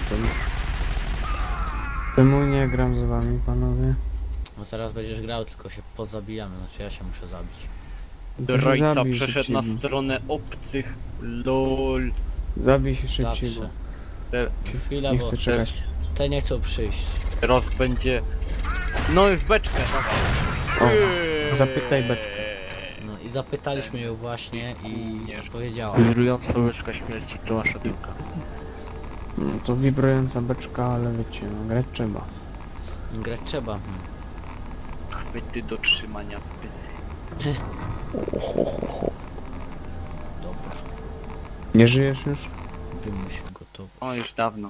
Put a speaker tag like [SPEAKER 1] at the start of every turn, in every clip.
[SPEAKER 1] Czemu nie gram z wami, panowie?
[SPEAKER 2] No teraz będziesz grał, tylko się pozabijamy, znaczy ja się muszę zabić.
[SPEAKER 3] Zdrajca
[SPEAKER 1] Zabij
[SPEAKER 3] przeszedł na
[SPEAKER 1] szybciej.
[SPEAKER 3] stronę obcych. LOL.
[SPEAKER 1] Zabij się szybciej,
[SPEAKER 2] Zawsze.
[SPEAKER 3] Te-
[SPEAKER 2] Chwila,
[SPEAKER 1] nie
[SPEAKER 2] bo
[SPEAKER 1] chcę czekać.
[SPEAKER 2] te nie chcą przyjść.
[SPEAKER 3] Teraz będzie... No i w beczkę.
[SPEAKER 1] O, zapytaj beczkę.
[SPEAKER 2] No i zapytaliśmy ją właśnie i powiedziała.
[SPEAKER 4] Wibrująca łyżka śmierci to wasza piłka.
[SPEAKER 1] No to wibrująca beczka, ale wiecie, no grać trzeba.
[SPEAKER 2] Grać trzeba.
[SPEAKER 3] Chwyty do trzymania pyty.
[SPEAKER 2] Dobra,
[SPEAKER 1] Nie żyjesz już?
[SPEAKER 2] wymyśl gotowy.
[SPEAKER 3] O, już dawno.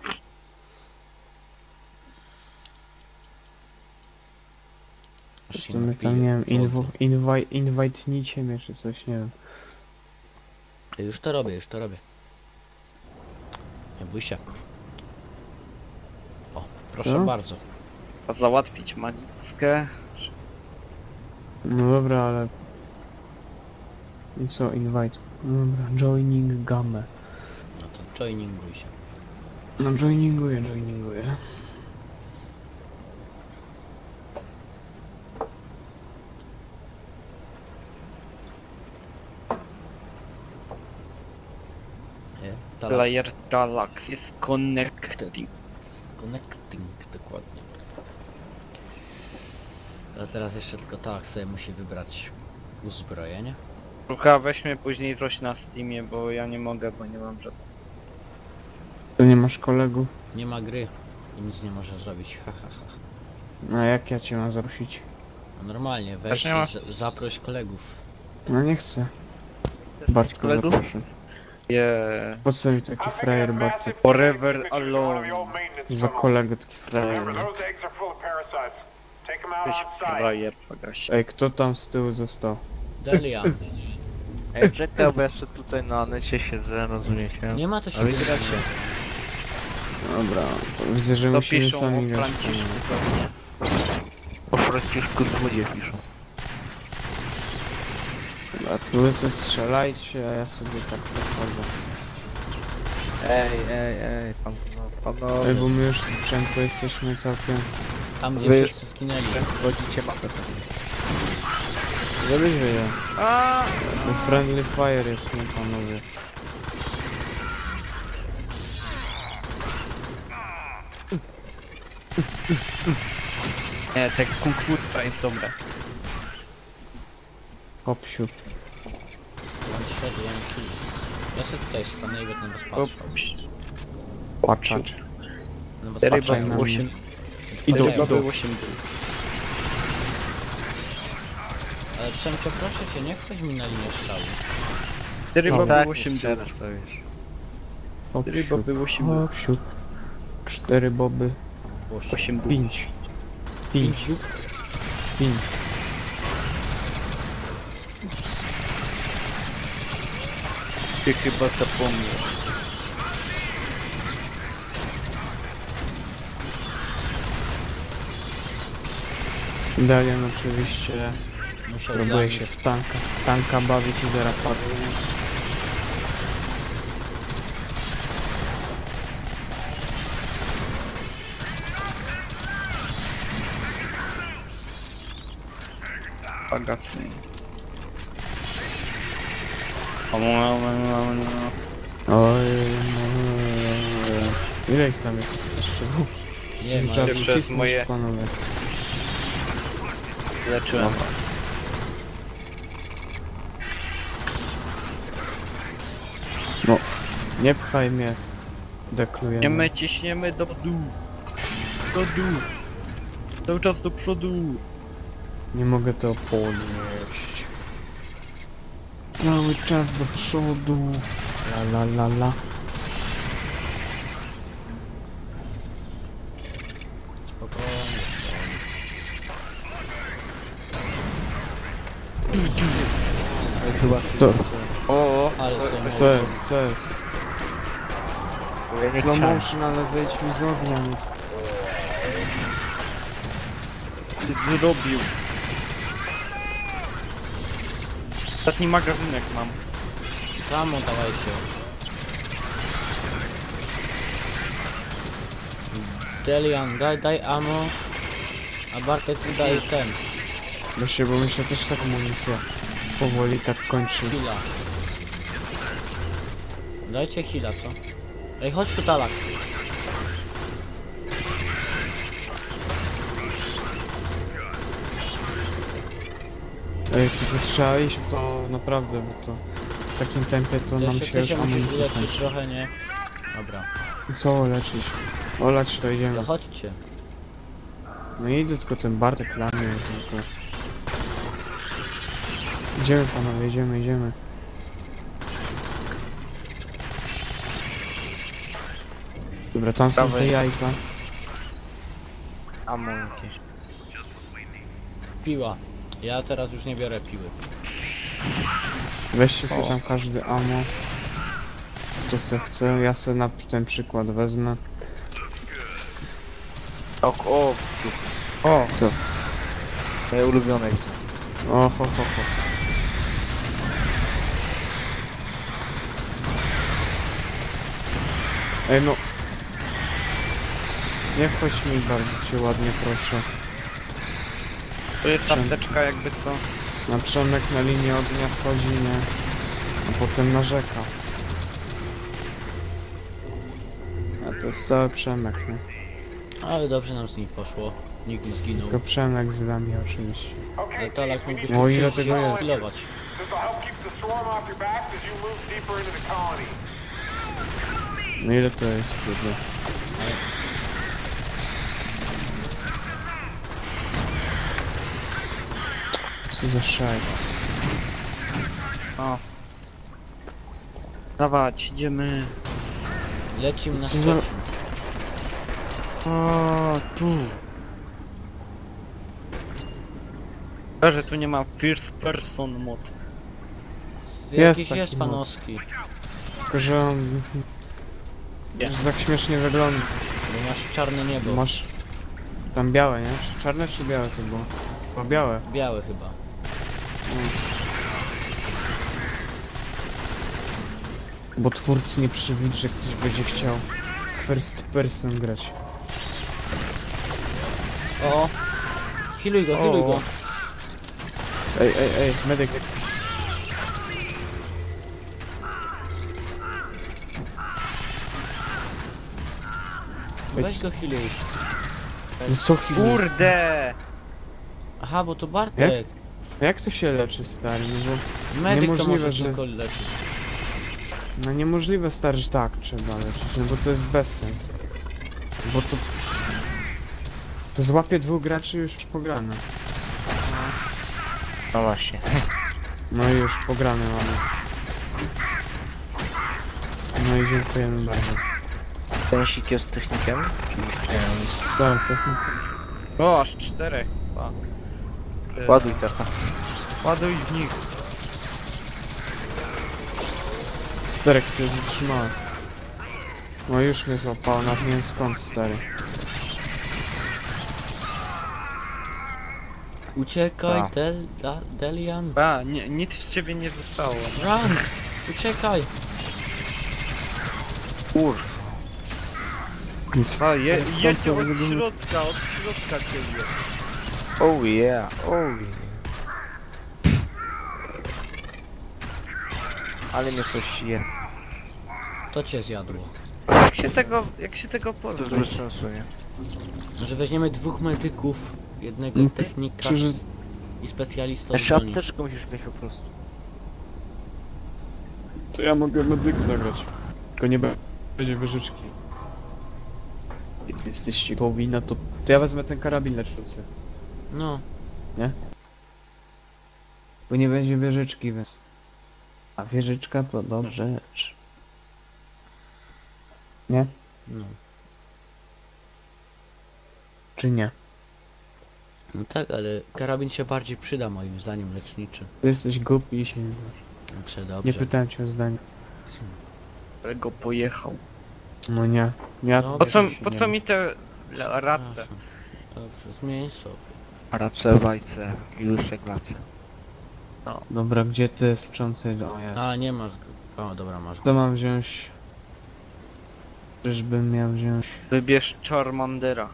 [SPEAKER 2] Aż się
[SPEAKER 1] To my
[SPEAKER 2] napiję
[SPEAKER 1] tam, nie wiem,
[SPEAKER 2] wody.
[SPEAKER 1] invite'nijcie mnie czy coś, nie wiem.
[SPEAKER 2] Już to robię, już to robię. Nie bój się. O, proszę
[SPEAKER 1] Co?
[SPEAKER 2] bardzo.
[SPEAKER 3] A załatwić magickę.
[SPEAKER 1] No dobra, ale... I co, invite? No dobra, joining gamę.
[SPEAKER 2] No to joininguj się.
[SPEAKER 1] No joininguję.
[SPEAKER 3] Player Galax jest connecting.
[SPEAKER 2] Connecting, dokładnie. A teraz jeszcze tylko tak sobie musi wybrać uzbrojenie.
[SPEAKER 3] Rucha, weźmy później coś na Steamie, bo ja nie mogę, bo nie mam żadnego.
[SPEAKER 1] To nie masz kolegów?
[SPEAKER 2] Nie ma gry i nic nie może zrobić. Ha, ha, ha.
[SPEAKER 1] No jak ja cię mam zaprosić?
[SPEAKER 2] No normalnie, weź
[SPEAKER 3] Też nie ma?
[SPEAKER 2] i zaproś kolegów.
[SPEAKER 1] No nie chcę. Bartko
[SPEAKER 4] kolegów?
[SPEAKER 1] zaproszę.
[SPEAKER 3] Yeah.
[SPEAKER 1] Po co mi taki frajer Bartek?
[SPEAKER 3] Forever alone.
[SPEAKER 1] Za kolegę taki frajer.
[SPEAKER 3] Jesteś frajer, pagaś.
[SPEAKER 1] Ej, kto tam z tyłu został?
[SPEAKER 2] Delian.
[SPEAKER 4] Ej, czekaj, bo ja sobie tutaj na necie siedzę, rozumiecie?
[SPEAKER 2] Nie ma to się
[SPEAKER 4] Ale
[SPEAKER 2] wybrać.
[SPEAKER 4] gracie.
[SPEAKER 1] Dobra, to widzę, że
[SPEAKER 3] To
[SPEAKER 1] musimy
[SPEAKER 3] piszą
[SPEAKER 1] sami
[SPEAKER 3] o
[SPEAKER 1] grać.
[SPEAKER 3] Franciszku pewnie.
[SPEAKER 4] Po Franciszku złodzie piszą.
[SPEAKER 1] Dobra, tu wy sobie strzelajcie, a ja sobie tak podchodzę.
[SPEAKER 4] Ej, panowie.
[SPEAKER 1] Ej, bo my już sprzętu jesteśmy całkiem...
[SPEAKER 2] Tam gdzie
[SPEAKER 4] Wy już-
[SPEAKER 2] wszyscy skinęli.
[SPEAKER 4] Wchodzicie mapę pewnie.
[SPEAKER 1] Żebyś wiedział.
[SPEAKER 3] A!
[SPEAKER 1] To friendly fire jest, nie panowie.
[SPEAKER 3] Nie, te kung fu to jest dobre.
[SPEAKER 1] Hopsiu.
[SPEAKER 2] One shot, one kill. Ja sobie tutaj stanę i będę was patrzał.
[SPEAKER 1] Patrzacz.
[SPEAKER 2] No was
[SPEAKER 3] Ryba
[SPEAKER 2] patrzę.
[SPEAKER 1] na
[SPEAKER 3] 8.
[SPEAKER 1] Idą,
[SPEAKER 3] Ryba
[SPEAKER 1] idą.
[SPEAKER 3] 8 był.
[SPEAKER 2] Ale Przemcio, proszę cię, nie wchodź mi na linię strzału.
[SPEAKER 3] Ryba
[SPEAKER 1] No,
[SPEAKER 3] był 8 był.
[SPEAKER 4] strzelasz, to wiesz.
[SPEAKER 3] Ryba był 8 był.
[SPEAKER 1] Hopsiu. 4 boby.
[SPEAKER 3] 8 był.
[SPEAKER 1] 5. 5. 5.
[SPEAKER 3] Ty chyba zapomniał.
[SPEAKER 1] Dalian oczywiście
[SPEAKER 2] Musiał
[SPEAKER 1] próbuje
[SPEAKER 2] zabić.
[SPEAKER 1] się w tanka bawić i zaraz padnie.
[SPEAKER 3] Pagasy.
[SPEAKER 1] Oj, ile ich tam jest jeszcze?
[SPEAKER 2] Nie ma.
[SPEAKER 1] Trzeba
[SPEAKER 3] Przez
[SPEAKER 1] przycisnąć,
[SPEAKER 3] moje-
[SPEAKER 1] panowie.
[SPEAKER 3] Leczyłem was.
[SPEAKER 1] No, nie pchaj mnie. Deklujemy.
[SPEAKER 3] Ciśniemy, ciśniemy do dół. Do dół. Cały czas do przodu.
[SPEAKER 1] Nie mogę to podnieść. Cały czas do przodu. La.
[SPEAKER 2] Spokojnie.
[SPEAKER 4] Chyba
[SPEAKER 1] To,
[SPEAKER 3] O,
[SPEAKER 2] Ale są
[SPEAKER 1] co jest?
[SPEAKER 4] ja nie
[SPEAKER 1] Slow
[SPEAKER 4] chciałem.
[SPEAKER 1] motion, ale zejdź mi z ognia. nie-
[SPEAKER 3] zrobił. Ostatni magazynek mam.
[SPEAKER 2] Kamo, dawajcie. Delian, daj ammo, a Bartek mi daje ten,
[SPEAKER 1] Właśnie, bo mi się też tak amunicja powoli tak kończy.
[SPEAKER 2] heala. Dajcie heala, co? Ej, chodź tu talak.
[SPEAKER 1] Ej, tylko trzeba iść w to naprawdę, bo to w takim tempie to nam
[SPEAKER 2] Jeszcze
[SPEAKER 1] się
[SPEAKER 2] ty
[SPEAKER 1] już
[SPEAKER 2] się musisz
[SPEAKER 1] amunicja
[SPEAKER 2] uleczyć
[SPEAKER 1] kończy.
[SPEAKER 2] trochę, nie? Dobra,
[SPEAKER 1] Co leczyć? Olać to
[SPEAKER 2] to
[SPEAKER 1] idziemy.
[SPEAKER 2] chodźcie.
[SPEAKER 1] No i idę, tylko ten Bartek dla mnie jest to. Idziemy panowie, idziemy. Dobra, tam są te
[SPEAKER 4] Dawaj.
[SPEAKER 1] jajka.
[SPEAKER 4] Ammo jakieś.
[SPEAKER 2] Piła. Ja teraz już nie biorę piły.
[SPEAKER 1] Weźcie sobie
[SPEAKER 4] O.
[SPEAKER 1] tam każdy ammo. Kto se chce, ja se na ten przykład wezmę.
[SPEAKER 4] O,
[SPEAKER 3] O,
[SPEAKER 1] Co?
[SPEAKER 4] moje ulubione widzę.
[SPEAKER 1] O, ho. Ej no. Nie wchodź mi bardzo cię ładnie proszę.
[SPEAKER 3] to jest apteczka jakby co.
[SPEAKER 1] Na Przemek na linię ognia wchodzi, nie? A potem narzeka. A to jest cały Przemek, nie?
[SPEAKER 2] Ale dobrze nam z nich poszło. Nikt nie zginął.
[SPEAKER 1] Tylko Przemek z nami oczywiście.
[SPEAKER 2] Ale talak mógłbyś
[SPEAKER 1] No
[SPEAKER 2] tu
[SPEAKER 1] ile
[SPEAKER 2] przyjść
[SPEAKER 1] tego
[SPEAKER 2] się
[SPEAKER 1] jest?
[SPEAKER 2] skillować.
[SPEAKER 5] This will help keep the swarm off your backs as you move deeper into the colony.
[SPEAKER 1] No ile to jest, kurde? Co za szajs?
[SPEAKER 3] O. Dawać, idziemy.
[SPEAKER 2] Lecimy na
[SPEAKER 1] Co za-
[SPEAKER 2] Szczecin.
[SPEAKER 3] O, tu. Że tu nie ma first person mod.
[SPEAKER 2] Jakiś
[SPEAKER 1] taki
[SPEAKER 2] jest
[SPEAKER 1] mod.
[SPEAKER 2] fanowski.
[SPEAKER 1] Tylko, że on...
[SPEAKER 3] Nie.
[SPEAKER 1] Że tak śmiesznie wygląda.
[SPEAKER 2] Bo masz czarne niebo.
[SPEAKER 1] Masz... Tam białe, nie? Czy czarne czy białe to było? Chyba białe.
[SPEAKER 2] Białe chyba.
[SPEAKER 1] Bo twórcy nie przewidzi, że ktoś będzie chciał first person grać.
[SPEAKER 2] O! Healuj go.
[SPEAKER 1] Ej, medyk.
[SPEAKER 2] Weź go healuj.
[SPEAKER 1] No co chwilę?
[SPEAKER 3] Kurde!
[SPEAKER 2] Aha, bo to Bartek.
[SPEAKER 1] Jak to się leczy, stary? No bo...
[SPEAKER 2] Medyk to
[SPEAKER 1] Niemożliwe,
[SPEAKER 2] może
[SPEAKER 1] że-
[SPEAKER 2] tylko leczyć.
[SPEAKER 1] No niemożliwe, stary, że tak trzeba leczyć, no bo to jest bezsens. Bo to... To złapie dwóch graczy już pograne.
[SPEAKER 4] No właśnie.
[SPEAKER 1] No i już pograne mamy. No i dziękujemy bardzo.
[SPEAKER 4] Ten sik jest technikiem?
[SPEAKER 1] Tak, technika.
[SPEAKER 3] O, aż 4 chyba.
[SPEAKER 4] Ładuj taka.
[SPEAKER 3] Ładuj w nich.
[SPEAKER 1] Sterek się zatrzymałem. No już mnie złapało, nawet nie wiem skąd, stary.
[SPEAKER 2] Uciekaj,
[SPEAKER 4] A.
[SPEAKER 2] Delian.
[SPEAKER 3] A, nie, nic z ciebie nie zostało.
[SPEAKER 2] Run! Uciekaj!
[SPEAKER 4] Kur.
[SPEAKER 1] Nic.
[SPEAKER 3] A,
[SPEAKER 1] Skąd
[SPEAKER 3] jedźcie
[SPEAKER 1] to
[SPEAKER 3] od
[SPEAKER 1] wygląda?
[SPEAKER 3] środka, cię jest.
[SPEAKER 4] Oh yeah, oh yeah. Ale mnie coś je.
[SPEAKER 2] To cię zjadło.
[SPEAKER 3] Jak się tego
[SPEAKER 4] To jest
[SPEAKER 3] pozbyć?
[SPEAKER 4] bez sensu, nie?
[SPEAKER 2] Może weźmiemy dwóch medyków, jednego
[SPEAKER 1] No,
[SPEAKER 2] technika
[SPEAKER 1] Przecież
[SPEAKER 2] i specjalistę od
[SPEAKER 4] Jeszcze
[SPEAKER 2] broni.
[SPEAKER 4] apteczkę musisz mieć po prostu.
[SPEAKER 1] to ja mogę medyku zagrać. Tylko nie będzie wyżyczki. Jak jesteście powinna, to ja wezmę ten karabin leczący.
[SPEAKER 2] No,
[SPEAKER 1] Bo nie będzie wieżyczki, więc... A wieżyczka to dobra rzecz. Nie?
[SPEAKER 2] no.
[SPEAKER 1] Czy nie?
[SPEAKER 2] No tak, ale karabin się bardziej przyda moim zdaniem leczniczy.
[SPEAKER 1] Ty jesteś głupi i się nie znasz.
[SPEAKER 2] Dobrze, dobrze.
[SPEAKER 1] Nie pytałem cię o zdanie.
[SPEAKER 3] Ale go pojechał.
[SPEAKER 1] No nie. Ja
[SPEAKER 2] No,
[SPEAKER 3] Po co mi te ratę?
[SPEAKER 2] Przepraszam. Dobrze, zmień sobie.
[SPEAKER 4] Race, wajce i łyżek glace.
[SPEAKER 1] Dobra, gdzie ty jest czący? O jest.
[SPEAKER 2] A, nie masz go. O, dobra, masz go.
[SPEAKER 1] Co mam wziąć? Czyżbym miał wziąć...
[SPEAKER 3] Wybierz Charmandera.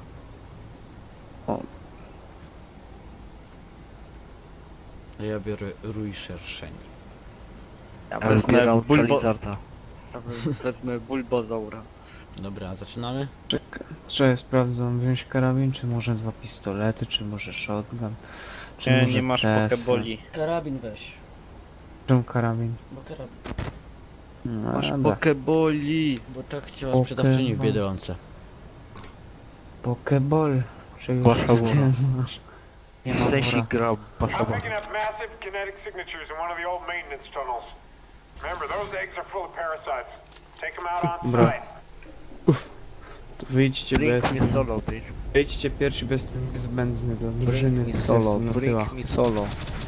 [SPEAKER 2] Ja biorę rój szerszeń.
[SPEAKER 3] Ja
[SPEAKER 4] Ja bym wybierał
[SPEAKER 3] Bulbo...
[SPEAKER 4] Charizarda.
[SPEAKER 3] Wezmę Bulbozaura.
[SPEAKER 2] Dobra, zaczynamy?
[SPEAKER 1] Czekaj, sprawdzam, wziąć karabin, czy może 2 pistolety, czy może shotgun, czy
[SPEAKER 3] Nie,
[SPEAKER 1] może
[SPEAKER 3] nie masz
[SPEAKER 1] Tesla.
[SPEAKER 3] pokeboli.
[SPEAKER 6] Karabin weź,
[SPEAKER 1] Czemu karabin?
[SPEAKER 6] bo karabin.
[SPEAKER 1] No,
[SPEAKER 3] Masz
[SPEAKER 1] dobra.
[SPEAKER 3] pokeboli.
[SPEAKER 2] Bo tak chciała sprzedawczyni w Biedronce.
[SPEAKER 1] Pokeball. Czy już
[SPEAKER 4] Wasza
[SPEAKER 1] wszystkie
[SPEAKER 4] wola.
[SPEAKER 1] masz? Nie ma
[SPEAKER 4] Sesi
[SPEAKER 1] wora.
[SPEAKER 4] gra
[SPEAKER 5] I'm
[SPEAKER 4] Bashaban.
[SPEAKER 5] picking up massive kinetic signatures in one of the old maintenance tunnels. Remember, those eggs are full of parasites. Take them out on
[SPEAKER 1] Bro.
[SPEAKER 5] site.
[SPEAKER 1] Wyjdźcie bez...
[SPEAKER 4] Drink mi solo, bitch.
[SPEAKER 1] Wyjdźcie pierwsi bez tym niezbędny do
[SPEAKER 4] Drink
[SPEAKER 1] drużyny.
[SPEAKER 4] mi
[SPEAKER 1] to
[SPEAKER 4] solo,
[SPEAKER 1] jest na tyłach.
[SPEAKER 4] drink mi solo.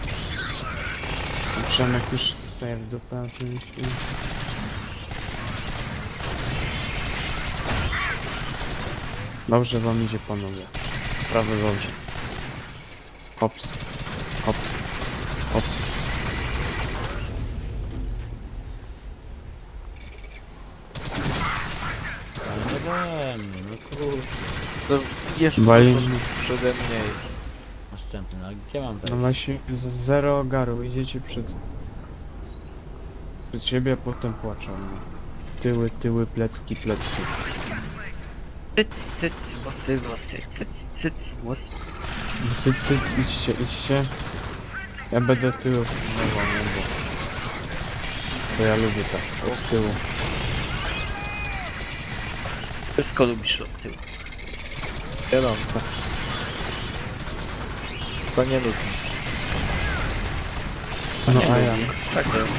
[SPEAKER 1] Przemek już staje w dupę oczywiście. Dobrze wam idzie, panowie. Prawy dobrze. Hops. Hops. Hops.
[SPEAKER 2] Ale we mnie, no kurde.
[SPEAKER 4] To jeszcze
[SPEAKER 1] Wali-
[SPEAKER 4] przede mnie.
[SPEAKER 2] Następny, no gdzie mam
[SPEAKER 1] No
[SPEAKER 2] wejść?
[SPEAKER 1] właśnie, zero ogaru. Idziecie przed siebie, a potem płaczą. Tyły, tyły, plecki, plecki.
[SPEAKER 3] Cyc, cyc, włosy, włosy, cyc, cyc, włosy.
[SPEAKER 1] Cyc, cyc, idźcie, idźcie. Ja będę tyłu pilnował, nie, bo... To ja lubię tak, od tyłu.
[SPEAKER 3] Wszystko lubisz od tyłu.
[SPEAKER 4] Wiadomo, tak. To nie lubię.
[SPEAKER 1] No a ja.
[SPEAKER 3] Tak jest.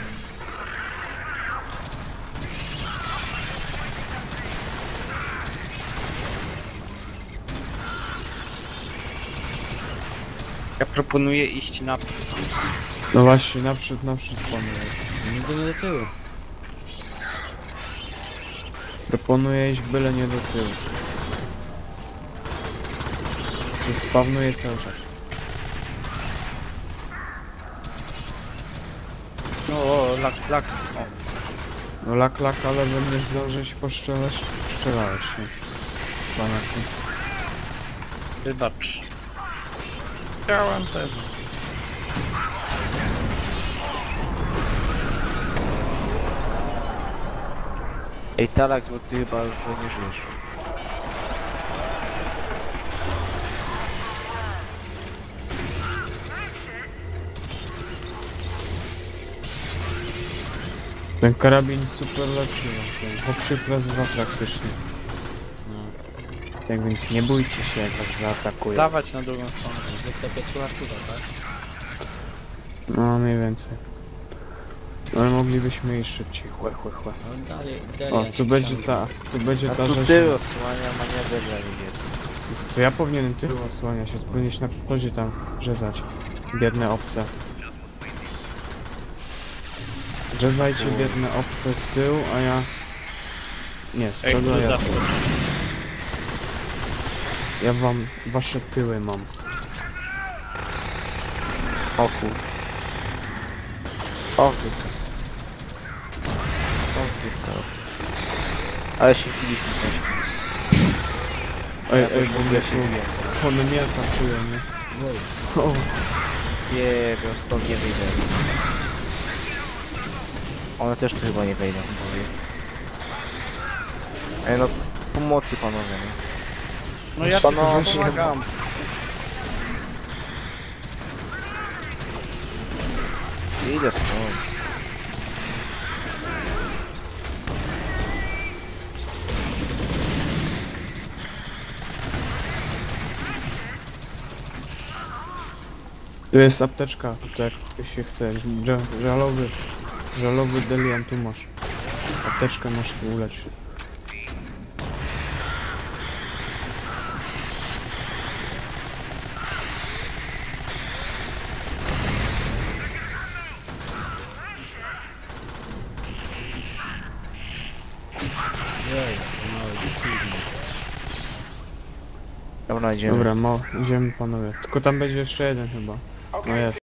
[SPEAKER 3] Ja proponuję iść naprzód.
[SPEAKER 1] No właśnie, naprzód, panowie.
[SPEAKER 2] Nigdy nie do tyłu.
[SPEAKER 1] Proponuję iść byle nie do tyłu. To spawnuje cały czas.
[SPEAKER 3] No, o, lak, o.
[SPEAKER 1] No lak, ale będę zdążyć poszczelać. Poszczelałeś, nie? Panaku.
[SPEAKER 3] Wybacz. Chciałem też.
[SPEAKER 4] Ej, Talak, bo ty chyba już nie żyjesz.
[SPEAKER 1] Ten karabin super lepszy, no. Ten poprzy plus 2 praktycznie.
[SPEAKER 2] No,
[SPEAKER 1] Tak więc nie bójcie się, jak was zaatakują.
[SPEAKER 3] Dawać na drugą stronę.
[SPEAKER 2] zwykle pieczła czuwa, tak?
[SPEAKER 1] No mniej więcej. Ale moglibyśmy iść szybciej, chłe.
[SPEAKER 2] No dalej,
[SPEAKER 1] O, tu będzie ta,
[SPEAKER 4] A tu
[SPEAKER 1] rzecz.
[SPEAKER 4] ty osłania manewr dla niebieskich.
[SPEAKER 1] To ja powinienem tył osłaniać, to powinieneś na przodzie tam rzezać. Biedne obce. Rzezajcie biedne obce z tyłu, a ja... Nie, z
[SPEAKER 3] Ej,
[SPEAKER 1] przodu, a
[SPEAKER 3] tu
[SPEAKER 1] ja
[SPEAKER 3] zawsze.
[SPEAKER 1] Ja wam wasze tyły mam.
[SPEAKER 4] O kur... O kur... O kur... Ale się chwiliśmy coś.
[SPEAKER 1] Ej, w ogóle tu... One mnie atakują, nie? O,
[SPEAKER 4] Nie wiem, stąd nie wyjdę. One też tu chyba nie wejdą, powiem. Ej no, pomocy panowie, nie?
[SPEAKER 3] No ja
[SPEAKER 4] Panowie,
[SPEAKER 3] tylko pomagam.
[SPEAKER 4] Idę stąd.
[SPEAKER 1] tu jest apteczka, to jak ktoś się chce. Żalowy Delian tu masz. Apteczkę masz tu uleć.
[SPEAKER 2] Jej, mały, dziwny.
[SPEAKER 4] Dobra, idziemy.
[SPEAKER 1] Dobra, idziemy panowie. Tylko tam będzie jeszcze jeden chyba. No jest.